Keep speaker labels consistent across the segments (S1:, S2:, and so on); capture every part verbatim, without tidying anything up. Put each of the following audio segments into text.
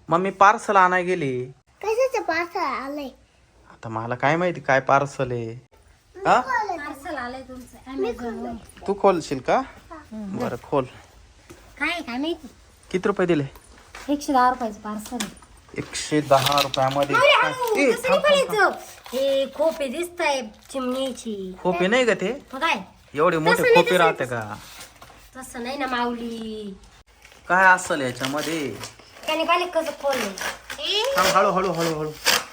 S1: Mummy parcel आणाय गेली.
S2: कशाचं पार्सल आलंय?
S1: आता मला काय माहिती काय पार्सल आहे. हा
S2: पार्सल आलंय तुमचं अमेझॉन.
S1: तू खोलशील का? बरं खोल.
S2: काय काय माहिती.
S1: किती रुपये दिले?
S2: एकशे दहा रुपयाचं पार्सल.
S1: एकशे दहा रुपयामध्ये ए, थांब, थांब, थांब.
S2: हे खोपे दिसत आहे चिमणीची.
S1: खोपे नाही का ते?
S2: मग काय
S1: एवढे मोठे खोपे राहते का?
S2: तसं नाही ना माऊली.
S1: काय असेल याच्यामध्ये?
S2: त्याने पाहिले कसं खोललं.
S1: थांब, हळू हळू हळू हळू.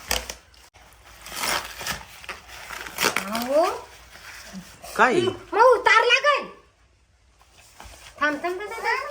S2: अहो
S1: काय
S2: मऊ तार लागल. थांब थांब थांब, थांब.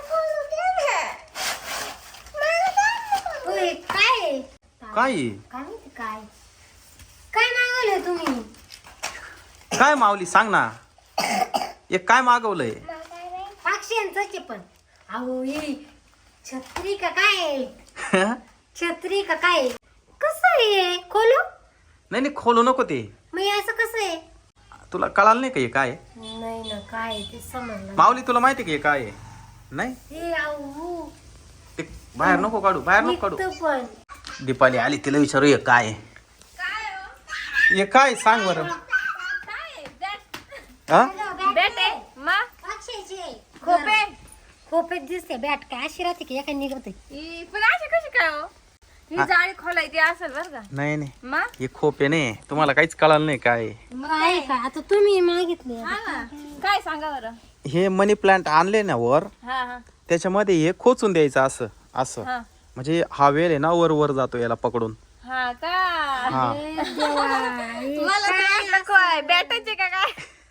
S2: ओय, काय आहे?
S1: काय
S2: काय माहिती काय काय मागवलंय तुम्ही?
S1: काय माऊली सांग ना. एक काय मागवलंय?
S2: पक्ष्यांचं पण. अहो ही छत्री का काय? छत्री का काय? कसं आहे खोलू?
S1: नाही नाही खोलू नको ते.
S2: मग हे असं कसं आहे?
S1: तुला कळालं नाही का हे काय आहे?
S2: नाही ना काय आहे ते समजलं.
S1: माऊली तुला माहिती का हे काय आहे? नाही
S2: हे अहो
S1: ते बाहेर नको काढू, बाहेर नको काढू.
S2: निघतं पण.
S1: दीपाली आली तिला विचारू हे काय आहे? हे काय सांग बरं. हा
S2: बॅट आहे मा पक्ष्याची खोपे. खोपे दिसते बॅट काय अशी राहते की एका निघते.
S3: ही पण अशी कशी काय हो? ही जाळी खोलायची असेल बरं का.
S1: नाही नाही
S3: मा
S1: हे खोपे नाही. तुम्हाला काहीच कळालं नाही काय आहे.
S2: काय का आता तुम्ही मागितले.
S3: हा ना काय सांगा बरं.
S1: हे मनी प्लांट आणले ना वर,
S3: हा हा
S1: त्याच्यामध्ये हे खोचून द्यायचं असं असं.
S3: हा
S1: म्हणजे हा वेल आहे ना वर वर जातो याला पकडून.
S3: हा का
S1: हा
S3: मला तर वाटलं काय बॅटाचे का काय.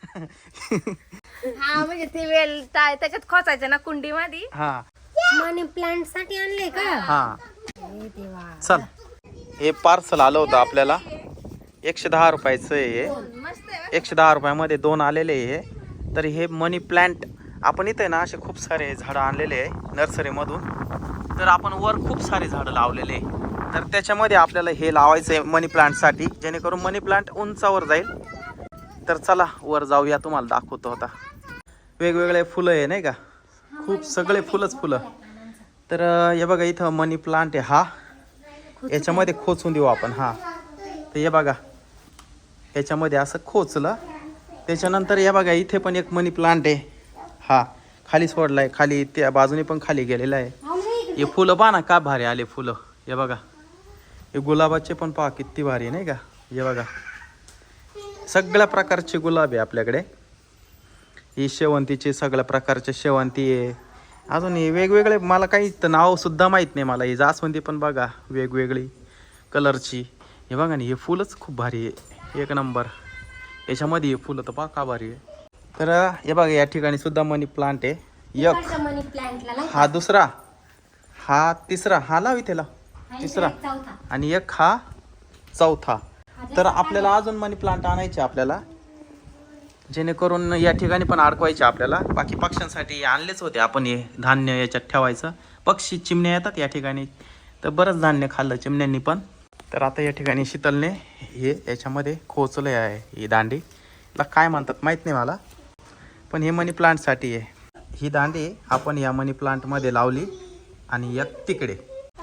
S3: हा म्हणजे ते वेल ता- त्याच्यात खोचायचं ना कुंडी मध्ये.
S1: हा
S2: मनी प्लांट साठी आणले का?
S1: हा
S2: हे देवा.
S1: चल हे पार्सल आलं होतं आपल्याला. एकशे दहा रुपयाचं आहे हे.
S3: मस्त आहे.
S1: एकशे दहा रुपयामध्ये दोन आलेले आहे हे. तर हे मनी प्लांट आपण इथे ना असे खूप सारे झाडं आणलेले आहे नर्सरीमधून. तर आपण वर खूप सारे झाडं लावलेले आहे. तर त्याच्यामध्ये आपल्याला हे लावायचं आहे मनी प्लांटसाठी, जेणेकरून मनी प्लांट उंचावर जाईल. तर चला वर जाऊया, तुम्हाला दाखवतो आता. वेगवेगळे फुलं आहे नाही का, खूप सगळे फुलंच फुलं. तर हे बघा इथं मनी प्लांट आहे हा. याच्यामध्ये खोचून देऊ आपण. हा तर हे बघा याच्यामध्ये असं खोचलं. त्याच्यानंतर हे बघा इथे पण एक मनी प्लांट आहे. हा खाली सोडला आहे, खाली त्या बाजूने पण खाली गेलेला आहे. हे फुलं पहा ना का भारी आले फुलं. हे बघा हे गुलाबाचे पण पहा किती भारी नाही का. हे बघा सगळ्या प्रकारचे गुलाब आहे आपल्याकडे. ही शेवंतीचे सगळ्या प्रकारचे शेवंती आहे. अजून हे वेगवेगळे मला काही नाव सुद्धा माहीत नाही मला. ही जास्वंदी पण बघा वेगवेगळी कलरची. हे बघा ना हे फुलंच खूप भारी आहे, एक नंबर. याच्यामध्ये हे फुलं तर पहा का भारी आहे. तर हे बघा या ठिकाणी सुद्धा मनी प्लांट आहे. एक
S2: मनी प्लांटला
S1: हा दुसरा, हा तिसरा, हा लाव इथे लाव तिसरा,
S2: चौथा.
S1: आणि एक हा चौथा. तर आपल्याला अजून मनी प्लांट आणायचे आपल्याला, जेणेकरून या ठिकाणी पण अडकवायचे आपल्याला. बाकी पक्ष्यांसाठी आणलेच होते आपण. हे धान्य याच्यात ठेवायचं. पक्षी चिमण्या येतात या ठिकाणी, तर बरंच धान्य खाल्लं चिमण्यांनी पण. तर आता या ठिकाणी शीतलने हे याच्यामध्ये खोचले आहे. ही दांडी ला काय म्हणतात माहीत नाही मला, पण हे मनी प्लांटसाठी आहे. ही दांडी आपण या मनी प्लांटमध्ये लावली आणि एक तिकडे.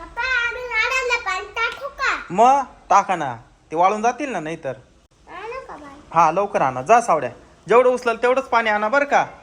S1: मग टाका ना, ते वाळून जातील ना. नाहीतर हा लवकर आणा जा सावड्या. जेवढं उचलाल तेवढंच पाणी आणा बरं का.